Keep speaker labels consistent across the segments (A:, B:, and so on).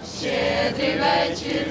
A: Щедрий вечір,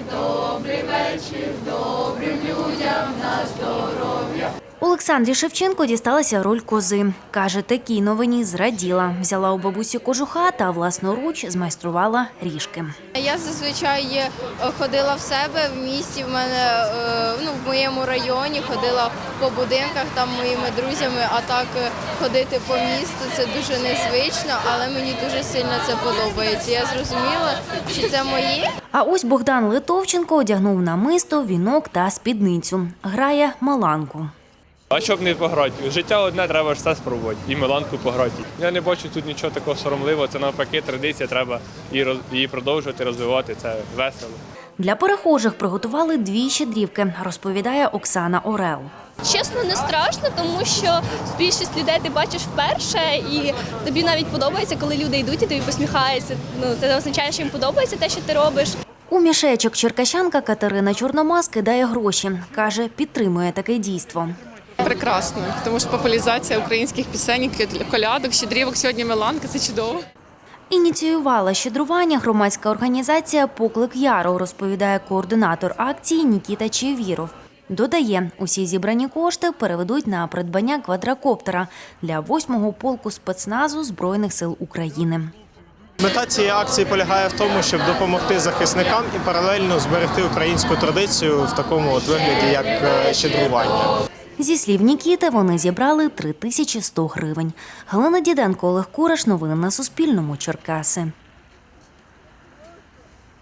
A: добрим людям на здоров'я.
B: Олександрі Шевченко дісталася роль кози. Каже, такій новині зраділа. Взяла у бабусі кожуха та власноруч змайструвала ріжки.
C: Я зазвичай ходила в себе в місті, в моєму районі, ходила по будинках там моїми друзями, а так ходити по місту – це дуже незвично, але мені дуже сильно це подобається. Я зрозуміла, що це моє.
B: А ось Богдан Литовченко одягнув намисто, вінок та спідницю. Грає маланку.
D: А щоб не пограти? Життя одне, треба ж все спробувати. І меланку пограти. Я не бачу тут нічого такого соромливого. Це навпаки традиція, треба її продовжувати, розвивати. Це весело.
B: Для перехожих приготували 2 щедрівки, розповідає Оксана Орел.
E: Чесно, не страшно, тому що більшість людей ти бачиш вперше, і тобі навіть подобається, коли люди йдуть і тобі посміхаються. Це означає, що їм подобається те, що ти робиш.
B: У мішечок черкащанка Катерина Чорномаз кидає гроші. Каже, підтримує таке дійство.
F: Прекрасно, тому що популяризація українських пісень, колядок, щедрівок, сьогодні меланка – це чудово.
B: Ініціювала щедрування громадська організація «Поклик Яру», розповідає координатор акції Нікіта Чевіров. Додає, усі зібрані кошти переведуть на придбання квадрокоптера для 8-го полку спецназу Збройних сил України.
G: Мета цієї акції полягає в тому, щоб допомогти захисникам і паралельно зберегти українську традицію в такому вигляді, як щедрування.
B: Зі слів Нікіти, вони зібрали 3100 гривень. Галина Діденко, Олег Кураш. Новини на Суспільному. Черкаси.